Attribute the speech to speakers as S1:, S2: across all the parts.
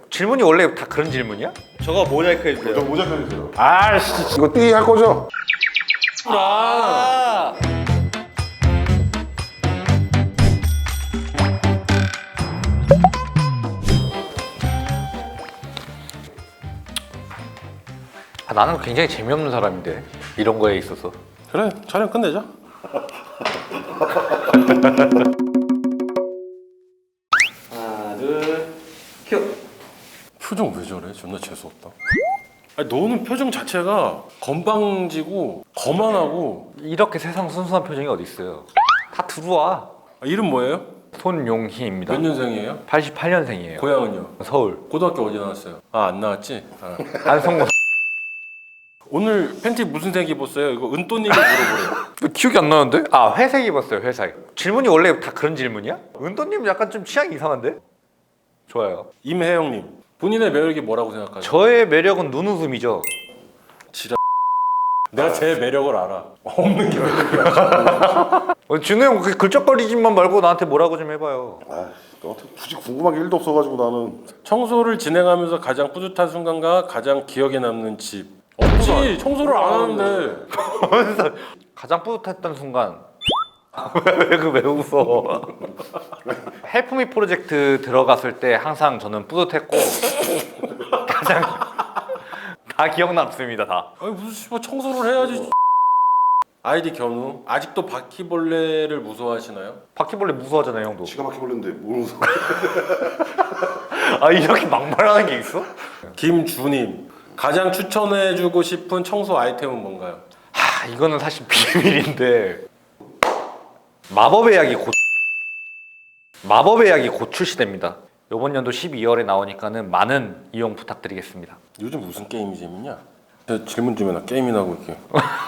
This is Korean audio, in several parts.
S1: 질문이 원래 다 그런 질문이야? 저거 모자이크 해주세요.
S2: 저 모자 펴주세요.
S1: 아씨.
S2: 이거 띠 할 거죠?
S1: 아. 나는 굉장히 재미없는 사람인데 이런 거에 있어서.
S3: 그래, 촬영 끝내자.
S1: 하나 둘 큐.
S3: 표정 왜 저래? 존나 재수없다. 아니, 너는 표정 자체가 건방지고 거만하고.
S1: 이렇게 세상 순수한 표정이 어디 있어요? 다 들어와.
S3: 이름 뭐예요?
S1: 손용희입니다.
S3: 몇 년생이에요?
S1: 88년생이에요.
S3: 고향은요?
S1: 서울.
S3: 고등학교 어디 나왔어요? 안 나왔지?
S1: 안성고.
S3: 오늘 팬티 무슨 색 입었어요? 이거 은또님이 물어보래요.
S1: 기억이 안 나는데? 아, 회색 입었어요. 회색. 질문이 원래 다 그런 질문이야? 은도님 약간 좀 취향이 이상한데? 좋아요.
S3: 임혜영님, 본인의 매력이 뭐라고 생각하세요?
S1: 저의 매력은 눈웃음이죠.
S3: 내가 제 매력을 알아. 없는 게 매력이야.
S1: 준호 형 그렇게 글적거리지만 말고 나한테 뭐라고 좀 해봐요.
S2: 아, 너한테 굳이 궁금한 게 1도 없어가지고 나는.
S3: 청소를 진행하면서 가장 뿌듯한 순간과 가장 기억에 남는 집. 없지. 청소를 안 하는데.
S1: 가장 뿌듯했던 순간. 왜 웃어? 헬프미 프로젝트 들어갔을 때 항상 저는 뿌듯했고 가장 다 기억 남습니다. 다.
S3: 아니 무슨 씨발 청소를 해야지. 아이디 견우. 아직도 바퀴벌레를 무서워하시나요?
S1: 바퀴벌레 무서워하잖아요, 형도.
S2: 지가 바퀴벌레인데 뭘 무서워.
S1: 아, 이렇게 막말하는 게 있어?
S3: 김주님. 가장 추천해주고 싶은 청소 아이템은 뭔가요?
S1: 이거는 사실 비밀인데 마법의 약이 곧 출시됩니다. 이번 연도 12월에 나오니까는 많은 이용 부탁드리겠습니다.
S3: 요즘 무슨 게임이 재밌냐? 질문 좀 해놔. 게임이나 하고 이렇게.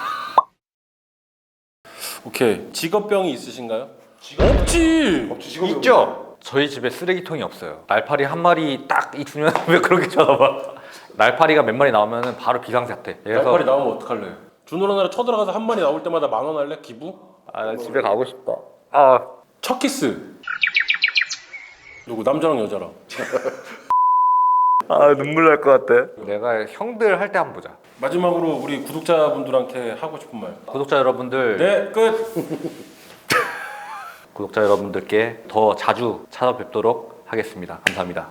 S3: 오케이. 직업병이 있으신가요? 없지.
S2: 직업이
S1: 있죠? 저희 집에 쓰레기통이 없어요. 날파리 한 마리 딱 있으면 왜 그렇게 쳐다봐? 날파리가 몇 마리 나오면 바로 비상사태. 그래서
S3: 날파리 나오면 어떡할래? 준호랑 나랑 쳐들어가서 한 마리 나올 때마다 10,000원 할래? 기부?
S1: 나 집에 가고 싶다. 아,
S3: 첫 키스. 누구? 남자랑 여자랑.
S1: 눈물 날 것 같아. 내가 형들 할 때 한번 보자.
S3: 마지막으로 우리 구독자분들한테 하고 싶은 말.
S1: 구독자 여러분들,
S3: 네, 끝.
S1: 구독자 여러분들께 더 자주 찾아뵙도록 하겠습니다. 감사합니다.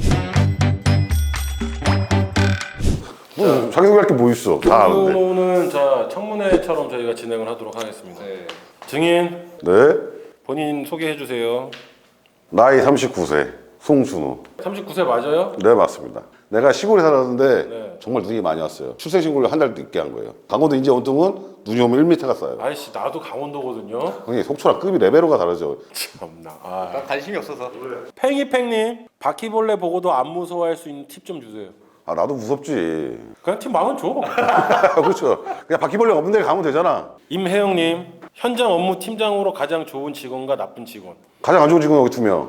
S2: 자기소개할 게 뭐 있어? 다 아는데.
S3: 오늘은 자 청문회처럼 저희가 진행을 하도록 하겠습니다. 증인
S2: 네.
S3: 본인 소개해 주세요.
S2: 나이 39세 송준호.
S3: 39세 맞아요?
S2: 네, 맞습니다. 내가 시골에 살았는데
S3: 네.
S2: 정말 눈이 많이 왔어요. 출생신고를 한 달 늦게 한 거예요. 강원도 인제 온통은 눈이 오면 1m가 쌓여요.
S3: 아이씨 나도 강원도거든요.
S2: 형님 속초랑 급이 레벨로가 다르죠.
S3: 참나. 아.
S1: 난 관심이 없어서.
S3: 팽이팽님 바퀴벌레 보고도 안 무서워할 수 있는 팁 좀 주세요.
S2: 아, 나도 무섭지.
S3: 그냥 팁 10,000원 줘.
S2: 그렇죠. 그냥 바퀴벌레 없는 데 가면 되잖아.
S3: 임혜영님 현장 업무 팀장으로 가장 좋은 직원과 나쁜 직원.
S2: 가장 안 좋은 직원 여기 2명.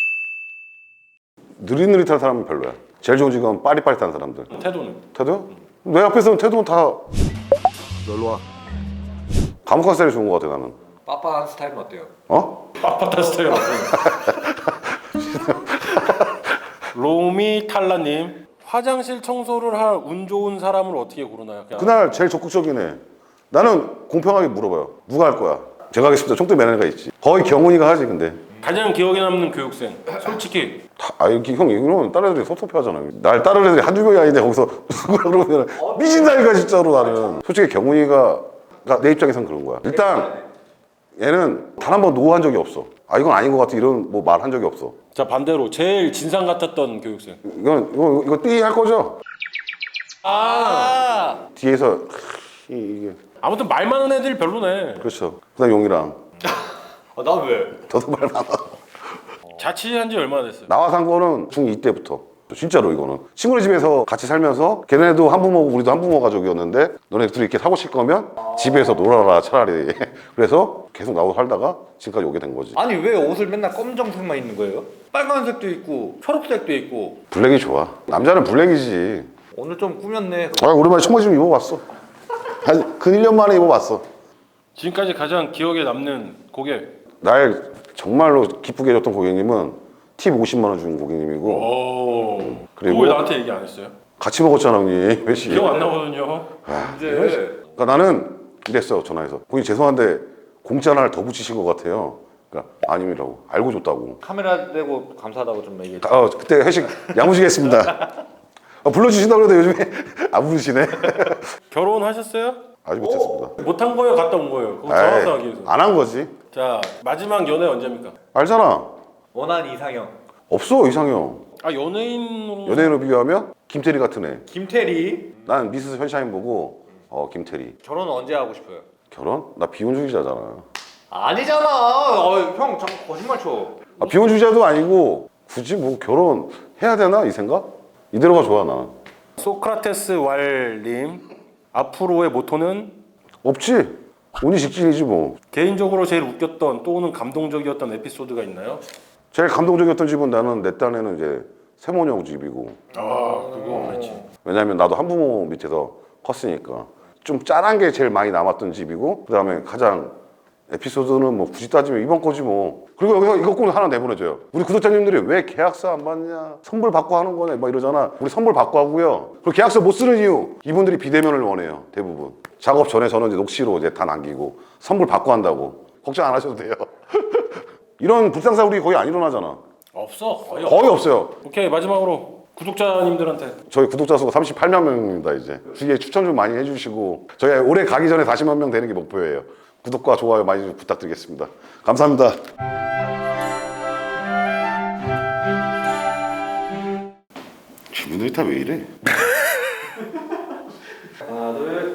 S2: 느릿느릿한 사람은 별로야. 제일 좋은 직원은 빠릿빠릿한 사람들.
S3: 태도는?
S2: 태도요? 내 앞에서는 태도는 다 놀러 와. 감옥한 스타일이 좋은 것 같아 나는.
S1: 빠빠한 스타일은 어때요?
S2: 어?
S3: 아파트 스타일 어때요? 로미 탈라님 화장실 청소를 할 운 좋은 사람을 어떻게 고르나요? 그냥
S2: 그날 제일 적극적이네. 나는 공평하게 물어봐요. 누가 할 거야? 제가 하겠습니다. 총대 매너가 있지. 거의 경훈이가 하지 근데.
S3: 가장 기억에 남는 교육생 솔직히
S2: 이렇게 형 이러면 다른 애들이 섭섭해하잖아요. 날 다른 애들이 한두 명이 아닌데 거기서 누구라 그러면 미친다니까 진짜로 나는. 솔직히 경훈이가 내 입장에선 그런 거야. 일단 얘는 단 한 번 노한 적이 없어. 이건 아닌 것 같아 이런 뭐 말 한 적이 없어.
S3: 자 반대로 제일 진상 같았던 교육생
S2: 이거 띠 할 거죠?
S1: 아,
S2: 뒤에서 이게
S3: 아무튼 말 많은 애들이 별로네.
S2: 그렇죠. 그다음 용이랑
S1: 나 왜?
S2: 저도 말 많아.
S3: 자취한 지 얼마나 됐어요?
S2: 나와 산 거는 중2 때부터. 진짜로 이거는 친구네 집에서 같이 살면서 걔네도 한부모고 우리도 한부모 가족이었는데 너네 둘이 이렇게 사고 칠 거면 집에서 놀아라 차라리. 그래서 계속 나오고 살다가 지금까지 오게 된 거지.
S1: 아니 왜 옷을 맨날 검정색만 입는 거예요? 빨간색도 있고 초록색도 있고.
S2: 블랙이 좋아. 남자는 블랙이지.
S1: 오늘 좀 꾸몄네.
S2: 오랜만에 청바지 좀 입어봤어. 근 1년 만에 입어봤어.
S3: 지금까지 가장 기억에 남는 고객
S2: 날 정말로 기쁘게 해줬던 고객님은 팁 50만 원 준 고객님이고
S3: 오.
S2: 그리고-
S3: 그리고 왜 나한테 얘기 안 했어요?
S2: 같이 먹었잖아 형님 회식.
S3: 기억 안 나거든요.
S1: 이제
S2: 그러니까 나는 이랬어 전화해서 고객님 죄송한데 공짜 하나를 더 붙이신 것 같아요. 그러니까 아님이라고 알고 줬다고.
S1: 카메라 대고 감사하다고 좀 얘기해.
S2: 그때 회식 야무지게 했습니다. 불러주신다고 해도 요즘에 안 부르시네.
S3: 결혼하셨어요?
S2: 아직 못했습니다.
S3: 못한 거예요? 갔다 온 거예요? 그거 정확하게 위해서.
S2: 안 한 거지.
S3: 자, 마지막 연애 언제입니까?
S2: 알잖아.
S1: 원한 이상형.
S2: 없어 이상형.
S3: 아, 연예인으로.
S2: 연예인으로 비교하면 김태리 같은 애.
S1: 김태리.
S2: 난 미스 선샤인 보고 김태리.
S1: 결혼 언제 하고 싶어요?
S2: 결혼? 나 비혼주의자잖아.
S1: 아니잖아. 형 자꾸 거짓말 쳐.
S2: 비혼주의자도 아니고 굳이 뭐 결혼 해야 되나 이 생각? 이대로가 좋아 나.
S3: 소크라테스 왈님, 앞으로의 모토는
S2: 없지. 운이 직진이지 뭐.
S3: 개인적으로 제일 웃겼던 또는 감동적이었던 에피소드가 있나요?
S2: 제일 감동적이었던 집은 나는 내 딴에는 이제 세모녀 집이고.
S3: 아, 그거 그렇지.
S2: 왜냐면 나도 한부모 밑에서 컸으니까 좀 짠한 게 제일 많이 남았던 집이고 그다음에 가장 에피소드는 뭐 굳이 따지면 이번 거지 뭐. 그리고 여기서 이거 꼭 하나 내보내줘요. 우리 구독자님들이 왜 계약서 안 받냐 선불 받고 하는 거네 막 이러잖아. 우리 선불 받고 하고요. 그리고 계약서 못 쓰는 이유 이분들이 비대면을 원해요. 대부분 작업 전에 저는 이제 녹취로 이제 다 남기고 선불 받고 한다고. 걱정 안 하셔도 돼요. 이런 불상사 우리 거의 안 일어나잖아.
S3: 없어, 거의
S2: 거의 없어요.
S3: 오케이, 마지막으로 구독자님들한테.
S2: 저희 구독자 수가 38만 명입니다 이제. 주위에 추천 좀 많이 해주시고 저희 올해 가기 전에 40만 명 되는 게 목표예요. 구독과 좋아요 많이 좀 부탁드리겠습니다. 감사합니다. 질문들이 다 왜 이래?
S1: 하나 둘.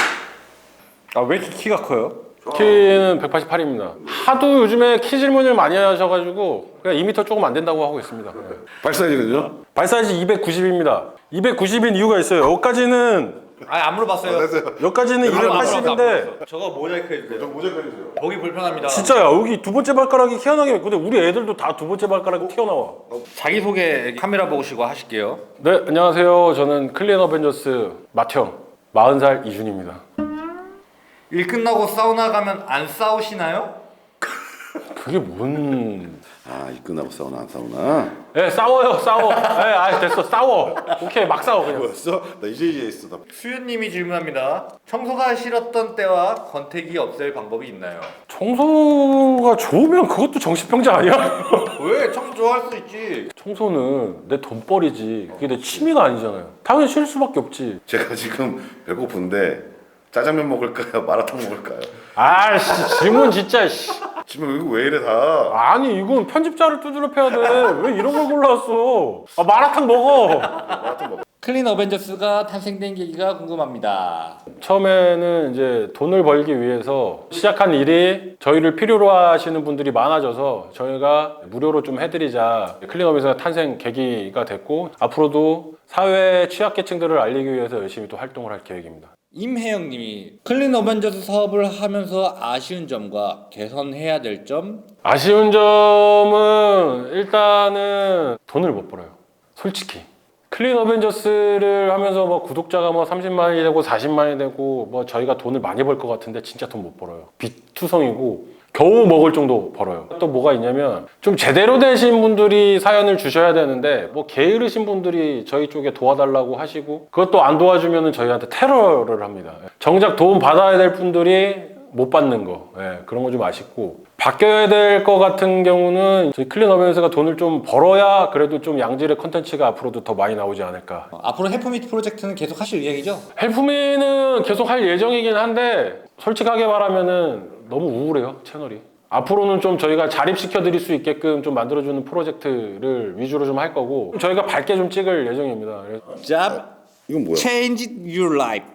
S1: 왜 이렇게 키가 커요?
S3: 키는 188입니다. 하도 요즘에 키 질문을 많이 하셔가지고 그냥 2m 조금 안 된다고 하고 있습니다.
S2: 발사이즈는요?
S3: 발 사이즈 290입니다. 290인 이유가 있어요. 여기까지는
S1: 안 물어봤어요.
S3: 여기까지는 280인데
S1: 저거 모자이크 해주세요.
S2: 모자이크 해주세요.
S1: 보기 불편합니다.
S3: 진짜야, 여기 두 번째 발가락이 튀어나오게 근데 우리 애들도 다 두 번째 발가락이 튀어나와.
S1: 자기소개 카메라 보시고 하실게요.
S3: 네, 안녕하세요. 저는 클린 어벤져스 맏형 40살 이준입니다.
S1: 일 끝나고 사우나 가면 안 싸우시나요?
S3: 그게 뭔...
S2: 이 끝나고 싸우나 안 싸우나?
S3: 네, 싸워요, 싸워. 네, 됐어, 싸워. 오케이, 막 싸워 그냥.
S2: 뭐였어? 나 이제 이해했어. 나.
S1: 수윤님이 질문합니다. 청소가 싫었던 때와 권태기 없앨 방법이 있나요?
S3: 청소가 좋으면 그것도 정신병자 아니야?
S1: 왜? 청소 좋아할 수 있지.
S3: 청소는 내 돈벌이지. 그게 내 취미가 아니잖아요. 당연히 싫을 수밖에 없지.
S2: 제가 지금 배고픈데 짜장면 먹을까요? 마라탕 먹을까요?
S3: 아씨, 질문 진짜. 씨.
S2: 지금 이거 왜 이래 다?
S3: 아니, 이건 편집자를 두드려 패야 돼. 왜 이런 걸 골라왔어? 마라탕 먹어.
S1: 클린 어벤져스가 탄생된 계기가 궁금합니다.
S3: 처음에는 이제 돈을 벌기 위해서 시작한 일이 저희를 필요로 하시는 분들이 많아져서 저희가 무료로 좀 해드리자. 클린업에서 탄생 계기가 됐고 앞으로도 사회 취약계층들을 알리기 위해서 열심히 또 활동을 할 계획입니다.
S1: 임혜영님이 클린 어벤져스 사업을 하면서 아쉬운 점과 개선해야 될 점.
S3: 아쉬운 점은 일단은 돈을 못 벌어요. 솔직히. 클린 어벤져스를 하면서 뭐 구독자가 뭐 30만이 되고 40만이 되고 뭐 저희가 돈을 많이 벌 것 같은데 진짜 돈 못 벌어요. 빚투성이고 겨우 먹을 정도 벌어요. 또 뭐가 있냐면 좀 제대로 되신 분들이 사연을 주셔야 되는데 뭐 게으르신 분들이 저희 쪽에 도와달라고 하시고 그것도 안 도와주면 저희한테 테러를 합니다. 정작 도움 받아야 될 분들이 못 받는 거, 그런 거 좀 아쉽고 바뀌어야 될 것 같은 경우는 저희 클린 어벤져스가 돈을 좀 벌어야 그래도 좀 양질의 컨텐츠가 앞으로도 더 많이 나오지 않을까.
S1: 앞으로 해프미트 프로젝트는 계속 하실 예정이죠?
S3: 헬프미는 계속 할 예정이긴 한데 솔직하게 말하면은 너무 우울해요, 채널이. 앞으로는 좀 저희가 자립시켜 드릴 수 있게끔 좀 만들어주는 프로젝트를 위주로 좀 할 거고 저희가 밝게 좀 찍을 예정입니다.
S1: Job
S2: 이건 뭐야?
S1: change your life.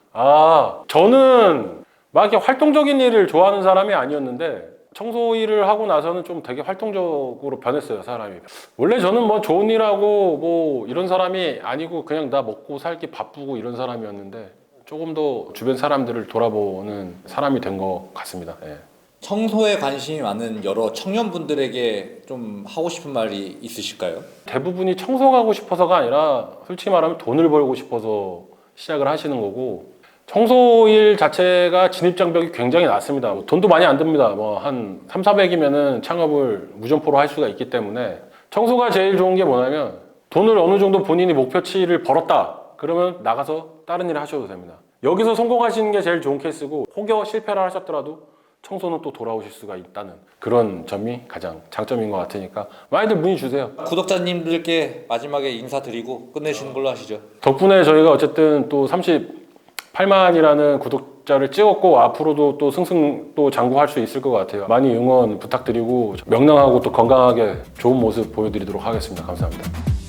S3: 저는 막 이렇게 활동적인 일을 좋아하는 사람이 아니었는데 청소 일을 하고 나서는 좀 되게 활동적으로 변했어요, 사람이. 원래 저는 뭐 좋은 일하고 뭐 이런 사람이 아니고 그냥 나 먹고 살기 바쁘고 이런 사람이었는데 조금 더 주변 사람들을 돌아보는 사람이 된 것 같습니다.
S1: 청소에 관심이 많은 여러 청년분들에게 좀 하고 싶은 말이 있으실까요?
S3: 대부분이 청소 가고 싶어서가 아니라 솔직히 말하면 돈을 벌고 싶어서 시작을 하시는 거고 청소일 자체가 진입장벽이 굉장히 낮습니다. 돈도 많이 안 듭니다. 뭐 한 3, 400이면은 창업을 무점포로 할 수가 있기 때문에 청소가 제일 좋은 게 뭐냐면 돈을 어느 정도 본인이 목표치를 벌었다. 그러면 나가서 다른 일을 하셔도 됩니다. 여기서 성공하시는 게 제일 좋은 케이스고 혹여 실패를 하셨더라도 청소는 또 돌아오실 수가 있다는 그런 점이 가장 장점인 것 같으니까 많이들 문의 주세요.
S1: 구독자님들께 마지막에 인사드리고 끝내시는 걸로 하시죠.
S3: 덕분에 저희가 어쨌든 또 38만이라는 구독자를 찍었고 앞으로도 또 승승 또 장구할 수 있을 것 같아요. 많이 응원 부탁드리고 명랑하고 또 건강하게 좋은 모습 보여드리도록 하겠습니다. 감사합니다.